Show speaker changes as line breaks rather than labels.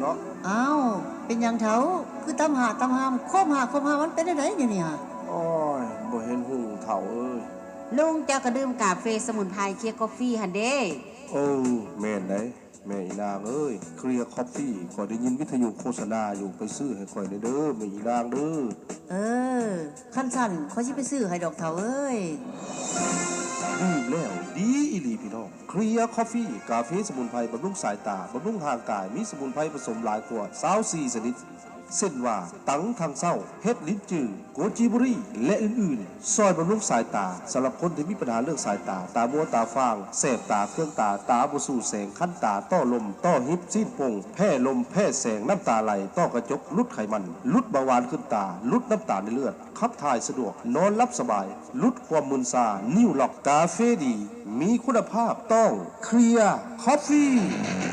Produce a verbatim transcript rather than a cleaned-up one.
นาะ
อ้าวเป็นอย่างเถาคือตำหาตำหามโคมหาโคมหามันเป็นได้ไงเนี่ย
โอ้ยบ่เห็นหูเฒ่าเอ้ย
ลุงเจ้าก็ดื่มกาแฟสมุนไพรเคียร์กาแฟหันเด้
โอ้แม่นได้แม่อีนางเอ้ยเคลียร์คอฟฟี่ข่อยได้ยินวิทยุโฆษณาอยู่ไปซื้อให้ข่อยเด้อแม่อีนางเด้อ
เออขั้นสั่นเขาสิไปซื้อให้ดอกเถาเอ้ย
ดีแล้วดีอีหลีพี่น้องเคลียร์คอฟฟี่กาแฟสมุนไพรบำรุงสายตาบำรุงทางกายมีสมุนไพรผสมหลายกว่ายี่สิบสี่ชนิดเส้นว่าตังทางเศร้าเฮ็ดลิ้นจืดโกจิบุรีและอื่นๆซอยบำรุงสายตาสำหรับคนที่มีปัญหาเรื่องสายตาตามัวตาฟางแสบตาเครื่องตาตาบ่สู่แสงคั้นตาต้อลมต้อหิบซีดปงแพ้ลมแพ้แสงน้ำตาไหลต้อกระจกลุดไขมันลุดเบาหวานขึ้นตาลุดน้ำตาลในเลือดขับถ่ายสะดวกนอนหลับสบายลุดความมึนซานิ้วล็อกกาเฟดีมีคุณภาพต้องเคลียร์คอฟฟี่